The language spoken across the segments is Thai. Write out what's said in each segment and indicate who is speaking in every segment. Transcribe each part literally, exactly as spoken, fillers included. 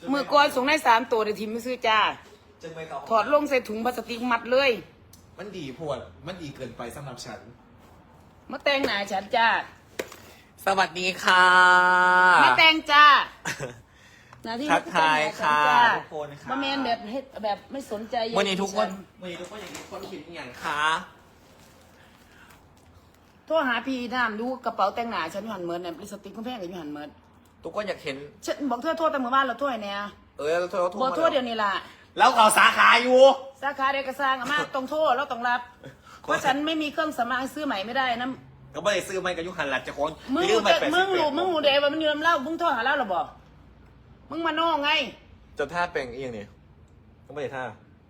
Speaker 1: มือก่อนส่งได้สามตัวเดี๋ยวทีมไม่ซื้อจ้า
Speaker 2: จึงไม่เขา
Speaker 1: ถอดลงใส่ถุงพลาสติกมัดเลย
Speaker 2: มันดีพวดมันดีเกินไปสำหรับฉัน
Speaker 1: มาแต่งหน้าฉันจ้า
Speaker 2: สวัสดีค่ะ
Speaker 1: มาแต่งจ้าหน้าที่
Speaker 2: ทักทายค่ะ
Speaker 1: จ้า
Speaker 2: ทุกคนค่ะ
Speaker 1: มาเมนแบบเฮ็ดแบบไม่สนใจ
Speaker 2: วันนี้ทุกคน
Speaker 1: ฉั
Speaker 2: วันนี้ทุกคนอย่างนี้คนคิดอย่างคะ
Speaker 1: โทรหาพี่น้ำดูกระเป๋าแต่งหน้าฉันอยู่หันเมิร์ดเนี่ยลิปสติกคุณแพงกับอยู่หันเมิร์ด
Speaker 2: ทุกคนอยากเห็น
Speaker 1: ฉันบอกเธอโทษแต่เมื่อวานเราโทษไอ้เนี่ย
Speaker 2: เออเราโทร
Speaker 1: บอกโทษเดี๋ยวนี้ล่ะ
Speaker 2: แล้วเขาสาขาอยู่
Speaker 1: สาขาเด็กกระซังอามาต้องโทษแล้วต้องรับ เพราะฉันไม่มีเครื่องสำอางซื้อใหม่ไม่ได้นะ
Speaker 2: ก็ไม่ได้ซื้อไม่กับยุหันหลัดจะคน
Speaker 1: มึง
Speaker 2: ลื
Speaker 1: รู้
Speaker 2: ไป
Speaker 1: จัก
Speaker 2: แปดสิบ
Speaker 1: มึงรู้
Speaker 2: แปด
Speaker 1: มึงรู้เดว่ามันอยู่น้ำเหล้ามึงโทษหาเหล้าหรอบอกมึงมาโน่ไง
Speaker 2: จะท่าแปลงเอียงนี่ก็ไม่ได้ท่า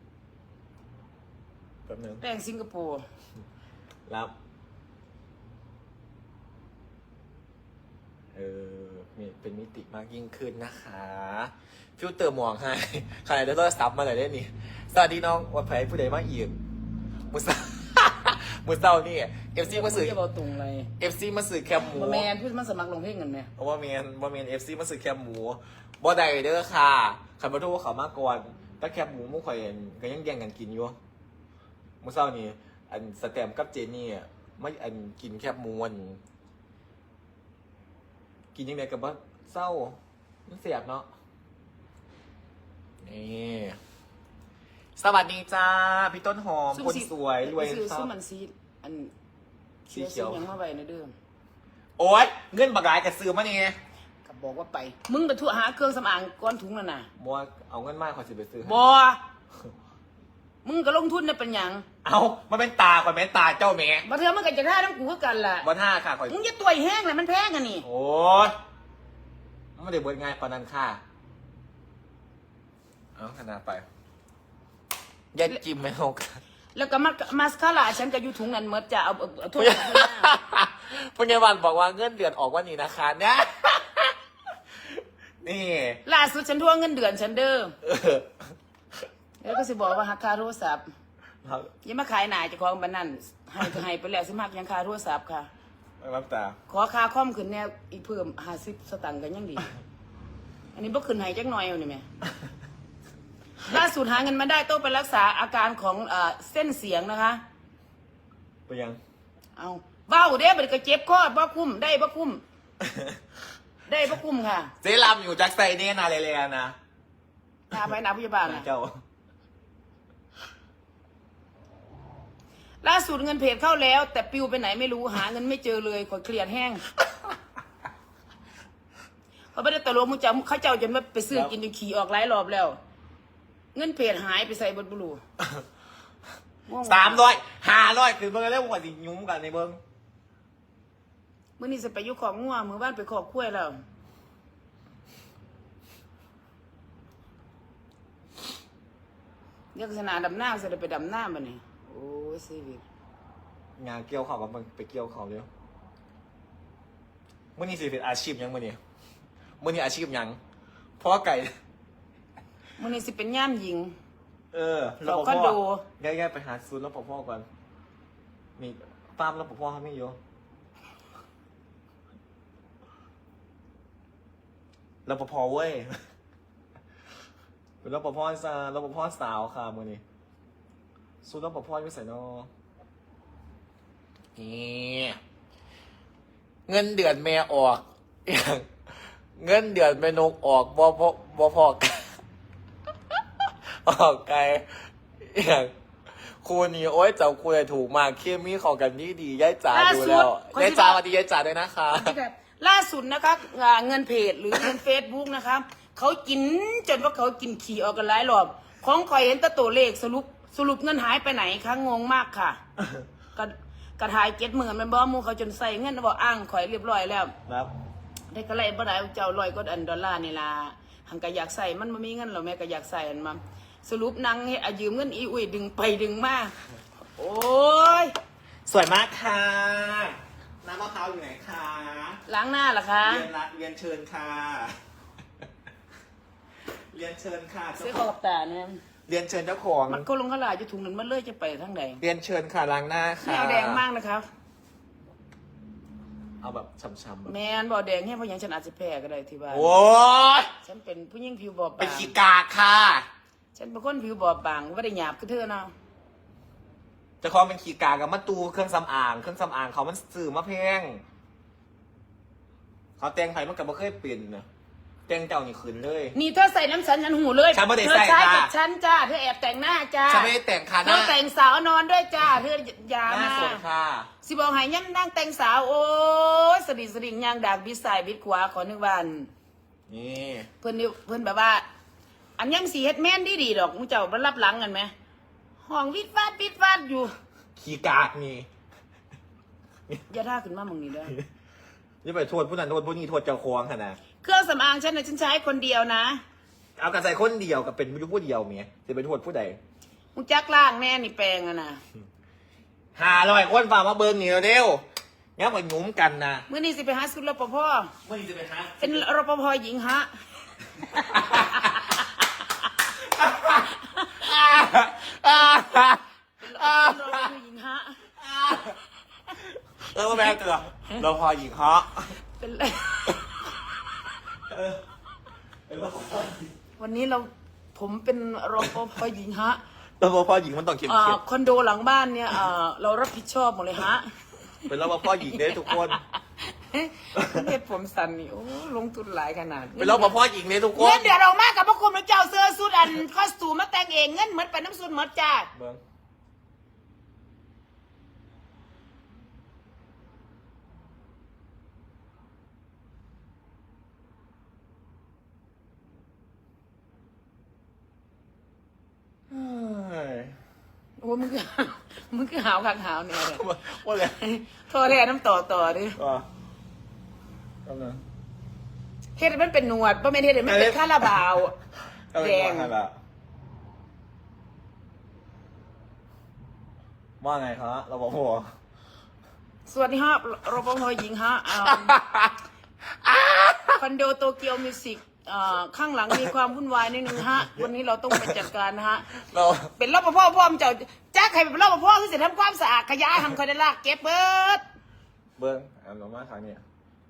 Speaker 2: แป๊บนึง
Speaker 1: แป้งสิงคโปร์
Speaker 2: รับเออมีเป็นมิติมากยิ่งขึ้นนะคะฟิลเตอร์หมวกให้ใครได้โทรศัพท์มาหน่อยได้นี่สวัสดีน้องวันไผ่ผู้ใดมาอีกมุสา มุสานี่เอฟซีมาสื่อ
Speaker 1: จะบอกตรงเลย
Speaker 2: เอฟซีมาสื่อแคมหมู
Speaker 1: มาแมนพูดมันสมัครลงเพลงกันไหม
Speaker 2: เพราะว่าเมียนว่าเมียนเอฟซีมาสื่อแคมหมูบ่ได้เด้อค่ะขันมาโทษเขามากก่อนถ้าแคมหมูมุ่งข่อยก็ยังแย่งกันกินอยู่มุสานี่อันสแตมกับเจนี่ไม่อันกินแคบหมูอันกินยังไงกับว่าเศร้ามันเสียบเนาะนี่สวัสดีจ้าพี่ต้นหอมคนสวยรวย
Speaker 1: ซื้อ
Speaker 2: ซั
Speaker 1: ซื้อบ มันซีอัน
Speaker 2: สีเขียว
Speaker 1: ซื้อยังมาไว้ในเดิม
Speaker 2: โอ๊ยเงินบักหลายกับซื้อมานี่ไง
Speaker 1: กับบอกว่าไป มึงไปทั่วหาเครื่องสำอางก้อนถุงนั่นน่ะ
Speaker 2: มัวเอาเงินมากขอสิไปซื้อ
Speaker 1: บอมึงก็ลงทุนได้เป็นหยัง
Speaker 2: เอามันเป็นตาก่อนแม่ตาเจ้าแม่
Speaker 1: มาเถอะมันก็จะท่าน้ำกูก็กันล่ะ
Speaker 2: วันห้าค่ะขอ
Speaker 1: มึงจะตัวแห้งเลยมันแพงกันนี่
Speaker 2: โอ๊ยมันไม่ได้เบิดง่ายปานนั้นค่ะเอาขนาดไปยัดจิ้มไม่เอากัน
Speaker 1: แล้วก็มามาสคาร่าฉันก็อยู่ถุงนั้นเมื่อจะเอาเอาเอาทั่ว
Speaker 2: พยาบาลบอกว่าเงินเดือนออกวันนี้นะคะเนี่ย นี่
Speaker 1: ล่าสุดฉันทวงเงินเดือนฉันเด้อ
Speaker 2: เออ
Speaker 1: แล้วก็สิบอกว่าหักค่าโทรศัพท์
Speaker 2: ครับ
Speaker 1: อยังมาขายหน่ายเจะของบันนั่นให้ก็ให้ไปแล้วสิมักยังค่าโทรศัพท์ค่ะ
Speaker 2: น้ำตา
Speaker 1: ขอค่าคอมขึ้นแนวอีกเพิ่มห้าสิบสตังค์กันยังดี อันนี้บ่ขึ้นให้จักหน่อยเอานี่แม่ ล่าสุดหาเงินมาได้ต้องไปรักษาอาการของเอ่อเส้นเสียงนะคะ
Speaker 2: ไปยัง
Speaker 1: เอาเบ้าเด้บัดนี้ก็เจ็บคอบ่คุ้มได้บ่คุ้ม ได้บ่คุ้มค่ะ
Speaker 2: เจลำอยู่จากไซเนี่ยนาเลเลียนะ
Speaker 1: พาไปหนาพยาบาลนะ
Speaker 2: เจ้า
Speaker 1: ล่าสุดเงินเพจเข้าแล้ว แต่ปิวไปไหนไม่รู้หาเงินไม่เจอเลยขอเครียดแห้ง เขาไม่ได้ตะลวงมุจาเขาเจ้าจนว่าไปซื้อกินจนขี่ออกหลายรอบแล้ว เงินเพจหายไปใส่บนบุรู
Speaker 2: สามร้อยห้าร้อยคือเบิ่งแล้วกว่าสิยุ่งกันในเบิ่ง
Speaker 1: มื่อนี้จะไปอยุของงัวมือบ้านไปขอบคุ้วยแล้วเดี๋ยวสนาดำหน้าจะได้ไปดำหน้าบ้านี่โอ้ยชีวิต
Speaker 2: งานเกี่ยวเขากับมันไปเกี่ยวเขาเร็วมื่อนี้สิเป็นอาชีพยังมื่อนี้มื่อนี้อาชีพยังเพราะว่าไก่
Speaker 1: มื่อนี้สิเป็นย่ามหญิง
Speaker 2: เออ
Speaker 1: เราก็ดู
Speaker 2: ง่ายๆไปหาซูนย์รปภก่อนมีฟาร์มรปภเขาไม่อยู่รปภเว้ยเป็นรปภซารปภสาวค่ะมื่อนี้ซูนย์รปภอยู่ใส่นอนี่เงินเดือนแม่ออก อย่างเงินเดือนแม่นกออกบ่พอบ่พอกัน ออกไกลอย่างครูนี่โอ๊ยเจ้าครูเลยถูกมากเคมีเข้ากันดีดีๆย้ายจ๋าดูแล้วย้ายจ๋าสวัสดีย้ายจ๋าด้วยนะคะ
Speaker 1: ล่าสุดนะคะอ่าเงินเพจหรือเงินเฟซบุ๊กนะคะเขากินจนว่าเขากินขี่ออกกันหลายรอบของคอยเห็นแต่ตัวเลขสรุปสรุปเงินหายไปไหนคะงงมากค่ะ กระกระทายเก็ตเหมือนมันบอมูเขาจนใส่เงินบอกอ้างข่อยเรียบร้อยแล้ว
Speaker 2: ครับ
Speaker 1: ได้ก็เลยบ่ได้เจ้าลอยก็อันดอลลาร์นี่ล่ะหังก็อยากใส่มันไม่มีเงินหรอกแม่ก็อยากใส่อันมาสรุปนางเฮ็ดอายืมเงินอีอุ้ยดึงไปดึงมาโอ้ย
Speaker 2: สวยมากค่ะน้ำมะพร้าวอยู่ไหนคะ
Speaker 1: ล้างหน้าเหรอคะ
Speaker 2: เรียนรักเรียนเชิญค่ะ เรียนเชิญค่ะ
Speaker 1: ซื้อขอบตาเนี่ย
Speaker 2: เรียนเชิญเจ้าของ
Speaker 1: มันก็ลงขลายจะถุงนั้นมันเลยจะไปทางไหน
Speaker 2: เรียนเชิญค่ะล้างหน้า
Speaker 1: ไม่
Speaker 2: ค่ะ
Speaker 1: เอาแดงมากนะครับ
Speaker 2: เอาแบบช้ำๆแบบ
Speaker 1: แมนบ่แดงให้เพราะหยังฉันอาจจะแพ้ก็ได้ที่บ้าน
Speaker 2: โอ้ย
Speaker 1: ฉันเป็นผู้หญิงผิวบอบบาง
Speaker 2: เป็นขี้กากค่ะ
Speaker 1: ฉันเป็นคนผิวบอบบางไม่ได้หยาบคือเธอเนาะ
Speaker 2: เจะคลองเป็นขี้กากกับมาตูเครื่องสำอางเครื่องสำอางเขามันสื่อมาแพงเขาแต่งไผ่มันกับบ่เคยเปลี่ยนนะแต่งเจ้านี่ขืนเลย
Speaker 1: นี่เธอใส่น้ำฉันฉันหูเลย
Speaker 2: ฉันไม่ได้
Speaker 1: เธอ
Speaker 2: ใส่
Speaker 1: ใช้
Speaker 2: ค่ะ
Speaker 1: กับฉันจ้าเธอแอบแต่งหน้าจ้า
Speaker 2: ฉันไม่ได้แต่งค่ะห
Speaker 1: เธ
Speaker 2: น้า
Speaker 1: อแต่งสาวนอนด้วยจ้าเธออย่า
Speaker 2: หน้า
Speaker 1: มา
Speaker 2: สดค่ะ
Speaker 1: สิบอกให้ยันนั่งแต่งสาวโอ้ยสดิสดิ่งยางดากบิดซ้ายบิดขวาขอนึกวัน
Speaker 2: นี่
Speaker 1: เพื่อนนี่เพื่อนแบบว่า อันยังสีเฮ็ดแม่นดีดีๆดอกมึงเจ้ามันรับหลังกันไหมห้องวิดฟาดวิดฟาดอยู่
Speaker 2: ขี้กากนี่
Speaker 1: อย่าท่าขึ้นมามึงนี่เด้อ
Speaker 2: นี่ไปโทษผู้นั้นโทษผู้นี้โทษเจ้าของค่ะนะ
Speaker 1: เครื่องสำอางฉันนะฉันใช้คนเดียวนะ
Speaker 2: เอากระใส่คนเดียวกับเป็นไม่รู้ผู้เดียวเมียจะไปโทษผู้ใด
Speaker 1: มึงจักล่างแน่นี่แปลงอะนะ
Speaker 2: หาลอยคนฝ่ามาเบิร์นี่เร็วๆงั้นมาหยุ้มกันนะ
Speaker 1: เมื่อนี้สิไปหาสุดรปภ
Speaker 2: เมื่อนี้จะไปหา
Speaker 1: เป็นรปภหญิงฮะ เป็นรปภหญิงฮะ
Speaker 2: เออมาแม่เกลือเราพอหญิงฮะ
Speaker 1: เป็นไร
Speaker 2: เออเป็นว่า
Speaker 1: วันนี้เราผมเป็นรปภหญิงฮะ
Speaker 2: เราพอหญิงมันต้องเข้ม
Speaker 1: อ่า
Speaker 2: เข้ม
Speaker 1: คอนโดหลังบ้านเนี่ยอ่าเรารับผิดชอบหมดเลยฮะ
Speaker 2: เป็นเราพอหญิงได้ทุกคน
Speaker 1: เฮ็ดผมสันนี่โอ้ลงทุนหลายขนาด
Speaker 2: เป็นเราพอหญิงได้ทุกค
Speaker 1: เงิ
Speaker 2: น
Speaker 1: นเดือดออกมากับพระคุณพระเจ้าเสื้อสุดอันคอสตูมมาแต่งเองเงินเหมือนไปน้ำสุดเหมือนจ้า
Speaker 2: เบิ้งเฮ้ย
Speaker 1: โอ้มึงคือมึงคือหาวคักหาวเนี่ยเลย
Speaker 2: ว่าเลย
Speaker 1: โทรแร่น้ำต่อต่อดิ
Speaker 2: ก็กำลัง
Speaker 1: เฮ็ดให้มันเป็นหนวดบ่แม่นเฮ็ดให้มันเป็นคาราบาว
Speaker 2: กำลัง
Speaker 1: แดง
Speaker 2: ว่าไงล่ะว่าไงครับเราบอกหัว
Speaker 1: สวัสดีฮะรปภหญิงฮะอ่าคอนโดโตเกียวมิวสิกอ่าข้างหลังมีความวุ่นวายนิดนึงฮะ วันนี้เราต้องไปจัดการนะฮะ
Speaker 2: เรา
Speaker 1: เป็นรปภพ่อมนเจ้าจ้าใครเป็นรปภคือสิทำความสะอาดขยะทำคอยได้ลากเก็บเบิด
Speaker 2: เบิ้งอ่านออกมาครั้งนี้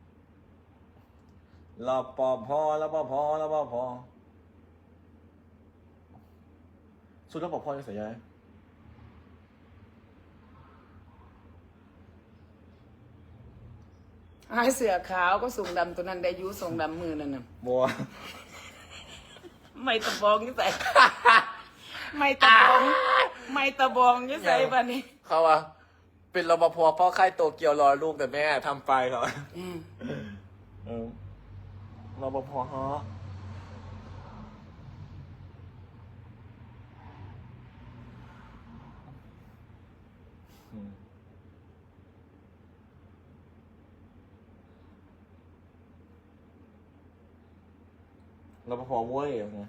Speaker 2: รอปภรปภรปภสุดรปภจะเสียยัง
Speaker 1: หายเสือขาวก็ส่งดำตัวนั้นได้อยุส่งดำมือนั่นน่ะ
Speaker 2: บัว
Speaker 1: ไม่ตะบองยี่ใส่ ไม่ตะบองไม่ตะบองยี่ใส่ปะนี่
Speaker 2: เขาว่าเป็นรปภพ่อค่ายโตเกียวรอลูกแต่แม่ทำไปเหรอ
Speaker 1: อืม
Speaker 2: เออรปภฮะอืมรปภเว้ยอย่างเงี้ย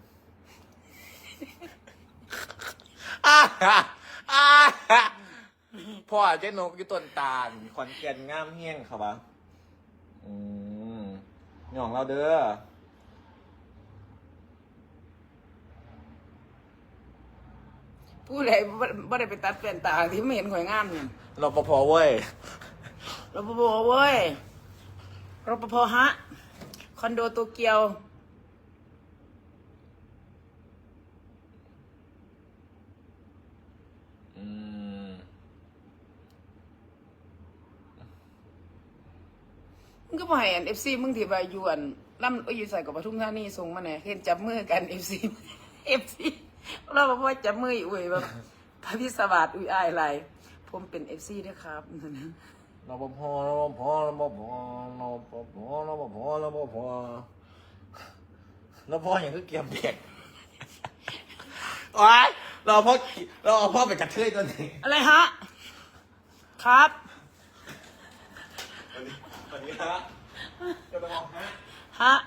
Speaker 2: อ่าอ่าพ่อเจ๊นกอยู่ต้นตาลขอนแก่นงามเฮี้ยงครับวะอืมนี่ของเราเด้อ
Speaker 1: ผู้ใดบ่บ่ได้ไปตัดแว่นตาที่ไม่เห็นข่อยงามเนี่ย
Speaker 2: รปภเว้ย
Speaker 1: รปภเว้ยรปภฮะคอนโดโตเกียว
Speaker 2: อืม
Speaker 1: มึงก็บ่ให้อัน เอฟ ซี มึงที่ว่าอยู่อันล่ำเอ้ยอยู่ใส่กับปทุมธานีส่งมาแหน่เห็นจับมือกัน เอฟ ซี เอฟ ซี เราบอกว่าจับมืออุ้ยแบบพระพิศวาสอุ้ยอายอะไรผมเป็น เอฟ ซี ด้วยครับ
Speaker 2: รปภรปภรปภรปภรปภรปภรปภอย่างคือเกียมเด็กว้ายเราพ่อเราเอาพ่อไปกระเทยตัวนี้
Speaker 1: อะไรฮะ ครับ
Speaker 2: สวัสดีฮะจะไปมองฮะ
Speaker 1: ฮะ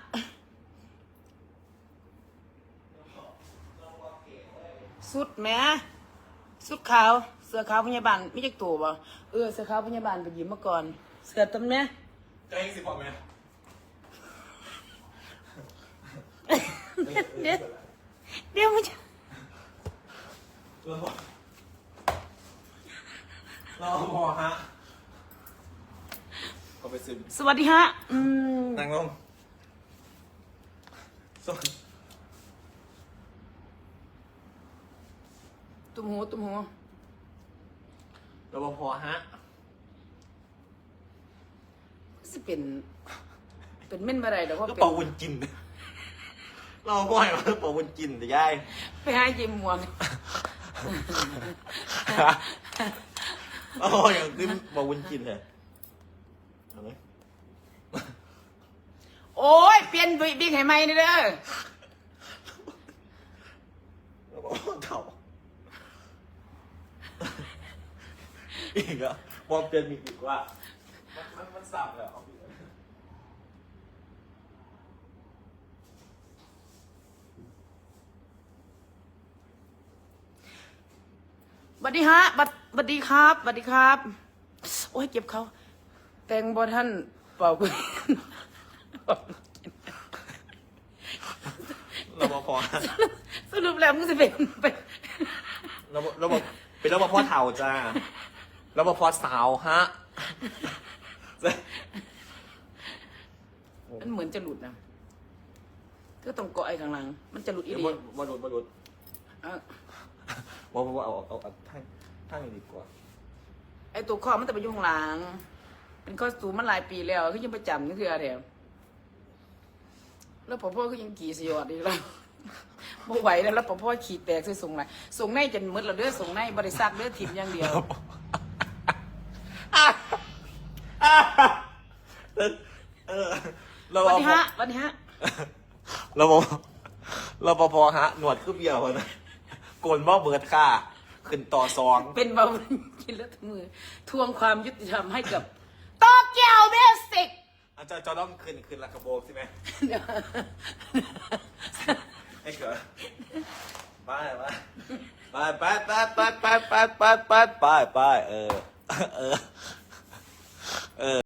Speaker 1: สุดแหม่สุดขาว เสือขาวพยาบาลไม่ใช่ตัวบ่เออเสือขาวพยาบาลไปหยิบมาก่อน เสือต้นแม่
Speaker 2: จะให้สิบพอไหม
Speaker 1: เดี๋ยวเดี๋ยวมันจะ
Speaker 2: เราพอเราพอฮะขอไปซื้อ
Speaker 1: สวัสดีฮะอืม
Speaker 2: นั่งลงส่วน
Speaker 1: ตุ้มหูตุ้มหู
Speaker 2: รปภฮะ
Speaker 1: สิเป็น เป็นเม่นอะไรเดี๋ยวว่า
Speaker 2: ก็
Speaker 1: เป็น
Speaker 2: เป่าวุ้นจินเราบ่อยมาเป่าวุ้นจินแต่ยาย
Speaker 1: ไปหาเยมม่วง
Speaker 2: โอ้ยอย่างนี้เป่าวุ้นจินเลยเอาเลย
Speaker 1: โอ้ยเปลี่ยนบิ๊กให้ใหม่นี่เด้อ
Speaker 2: แล้วก็เถ่าอีกอะมองเปลี่ยนมีอีกว่ามันมันมันสับเลยเอาอีกแล้ว
Speaker 1: สวัสดีฮะบัดสวัสดีครับสวัสดีครับ โอ้ยเก็บเขาแตงบอท่านเป่า
Speaker 2: รปภ
Speaker 1: สรุปแล้วมึงจะเป็นเป็น
Speaker 2: รปรปเป็นรปภเถ่าจ้ารปภสาวฮะ
Speaker 1: มันเหมือนจะหลุดนะเธอต้องเกาะไอ้ข้างหลัง มันจะหลุดอี
Speaker 2: เดี๋ยว
Speaker 1: ดี
Speaker 2: บอลบอลบอลบอล
Speaker 1: อ่ะ
Speaker 2: ว่าว่าเอาเอาเอาท่านท่านดีกว่า
Speaker 1: ไอ้ตัวข้อมันจะไปอยุ่ข้างหลัง เป็นข้อสูงมันหลายปีแล้วก็ยังประจำนี่คืออะไรแล้วพอพ่อก็ยังกี่สยอดอีกแล้ว บ่ไหวแล้วแล้วพอพ่อขี่แตกใส่ส่งไหนส่งในจนมืดแล้วเด้อส่งในบริษัทเด้อถิ่มอย่างเดียว
Speaker 2: เออ
Speaker 1: สวัสดีฮะสวัสดีฮะ
Speaker 2: รปภรปภฮะ หนวดคือเบี้ยวนะโกนบ่เบิดค่าขึ้นต่อซอง
Speaker 1: เป็นเบากินแล้วทุกมือ ทวงความยุติธรรมให้กับโตเกียวเบสิก
Speaker 2: อาจารย์จะต้องขึ้นขึ้นละกระโบกใช่ไหมให้เกิดไปไปไปไปไปไปไปไปไปไปไปเออเออเออ